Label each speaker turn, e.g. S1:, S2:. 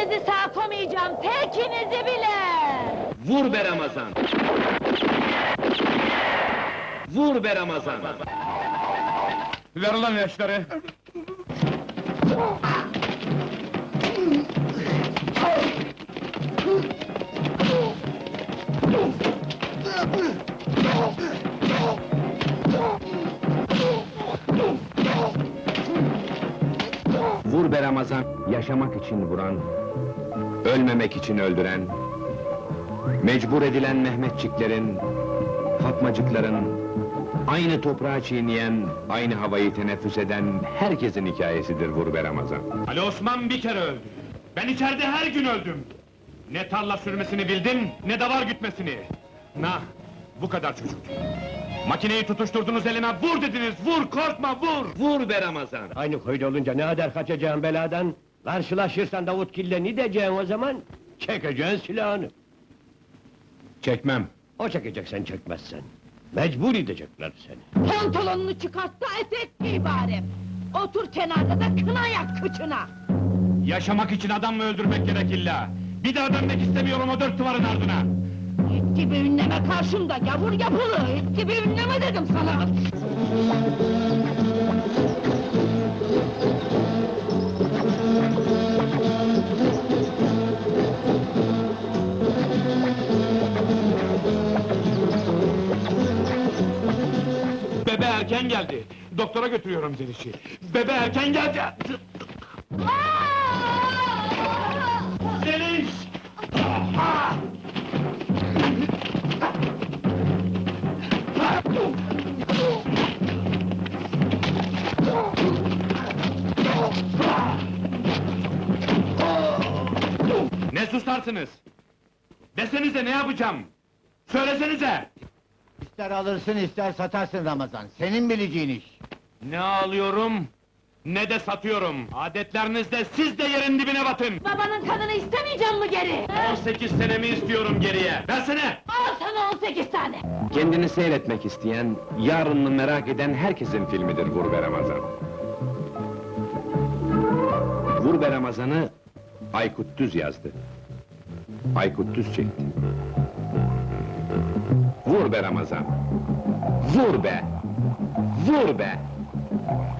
S1: Hiçbirinizi sağ koymayacağım, tekinizi bile!
S2: Vur be Ramazan! Vur be Ramazan!
S3: Ver ulan yaşları!
S2: Vur be Ramazan! Yaşamak için vuran, ölmemek için öldüren, mecbur edilen Mehmetçiklerin, Fatmacıkların, aynı toprağı çiğneyen, aynı havayı teneffüs eden herkesin hikayesidir Vur be Ramazan.
S3: Ali Osman bir kere öldü. Ben içeride her gün öldüm. Ne tarla sürmesini bildim, ne davar gütmesini. Bu kadar çocuk. Makineyi tutuşturdunuz elime, vur dediniz, vur, korkma, vur!
S2: Vur be Ramazan!
S4: Aynı köyde olunca ne kadar kaçacağın beladan? Karşılaşırsan Davutkil'le ne diyeceksin o zaman? Çekeceksin silahını.
S3: Çekmem.
S4: O çekecek, sen çekmezsen. Mecbur edecekler seni.
S1: Pantolonunu çıkart da etek giy bari! Otur kenarda da kına yak kıçına!
S3: Yaşamak için adam mı öldürmek gerek illa? Bir daha dönmek istemiyorum o dört duvarın ardına!
S1: İt gibi ünleme karşımda, gavur yapılı! İt gibi ünleme dedim sana!
S3: Bebe erken geldi. Doktora götürüyorum Zeliş'i. Bebe erken geldi. Zeliş! Ne susarsınız? Desenize ne yapacağım? Söylesenize!
S5: İster alırsın ister satarsın Ramazan, senin bileceğin iş.
S3: Ne alıyorum, ne de satıyorum. Adetlerinizde siz de yerin dibine batın!
S1: Babanın kanını istemeyeceğim mi geri?
S3: 18 senemi istiyorum geriye! Versene!
S1: Al sana 18 tane!
S2: Kendini seyretmek isteyen, yarınını merak eden herkesin filmidir Vur be Ramazan. Vur be Ramazan'ı Aykut Düz yazdı. Aykut Düz çekti. Vur be Ramazan! Vur be! Vur be!